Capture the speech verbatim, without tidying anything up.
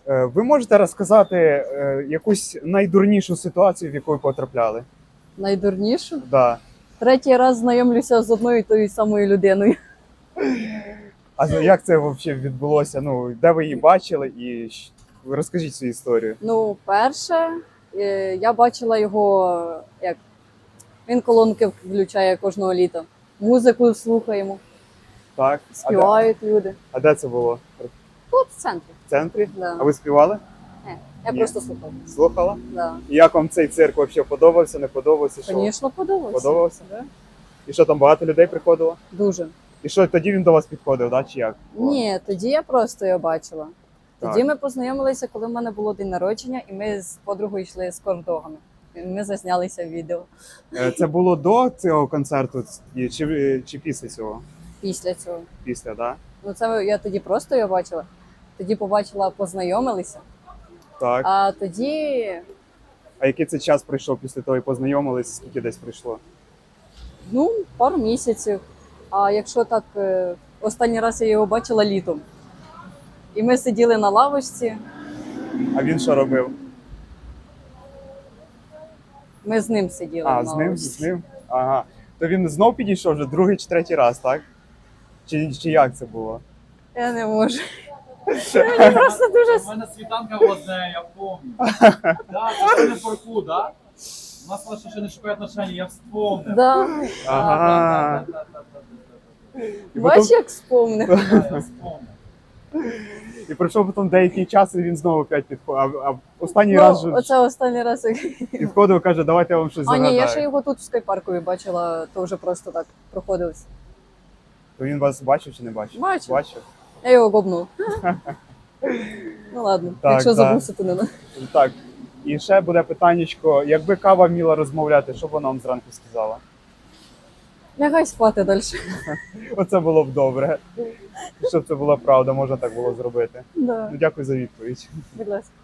Е, Ви можете розказати е, якусь найдурнішу ситуацію, в яку ви потрапляли? Найдурнішу. Да. Третій раз знайомлюся з одною і тою самою людиною. А за- як це взагалі відбулося? Ну, де ви її бачили? І щ- розкажіть свою історію. Ну, перше, е, я бачила його, як він колонки включає кожного літа. Музику слухаємо, Так. А де, співають люди. а де це було? Тут в центрі. В центрі? Да. А ви співали? Е, Я Ні. просто слухала. Слухала? Да. І як вам цей цирк взагалі подобався, не подобався? Що? Звісно, подобається. Подобався? Да. І що там багато людей приходило? Дуже. І що тоді він до вас підходив, да? Чи як? Ні, тоді я просто його бачила. Тоді Так. ми познайомилися, коли в мене було день народження, і ми з подругою йшли з кордогами. І ми зазнялися в відео Е, Це було до цього концерту і- чи, чи після цього? після цього. Після, да? Ну це я тоді просто його бачила. Тоді побачила, познайомилися. Так. А тоді, А який це час пройшов після того і познайомились, скільки десь пройшло? ну, пару місяців. А якщо так, е, останній раз я його бачила літом. І ми сиділи на лавочці, А він що робив? ми з ним сиділи А, на з ним, лавочці. з ним? Ага. То він знов підійшов вже другий чи третій раз, так? Чи, чи як це було? Я не можу. Мені просто дуже У мене світанка була з нею, я пам'ятаю. Да, це не парку, да? У нас лише ще не шукає отношення, я вспомнив. Да. Ага. Да, да, да, да, да, да, І, Бач, потім, як спомнив. да. Да, я вспомнив. і пройшов потім деякий час, і він знову опять підходив. А, а останній Ну, раз же оце останній раз. як- підходив, каже, давайте я вам щось А загадаю. ні, я ще його тут в скайпаркові бачила, то вже просто так проходилось. То він вас бачив чи не бачив? Бачив. Бачив. Я його гобнув. Ну ладно, Так, якщо да. забувся, то не на. Так. І ще буде питаннячко, якби кава вміла розмовляти, що б вона вам зранку сказала? Лягай спати далі. Оце було б добре. Щоб це була правда, можна так було зробити. Да, Ну, дякую за відповідь. будь ласка.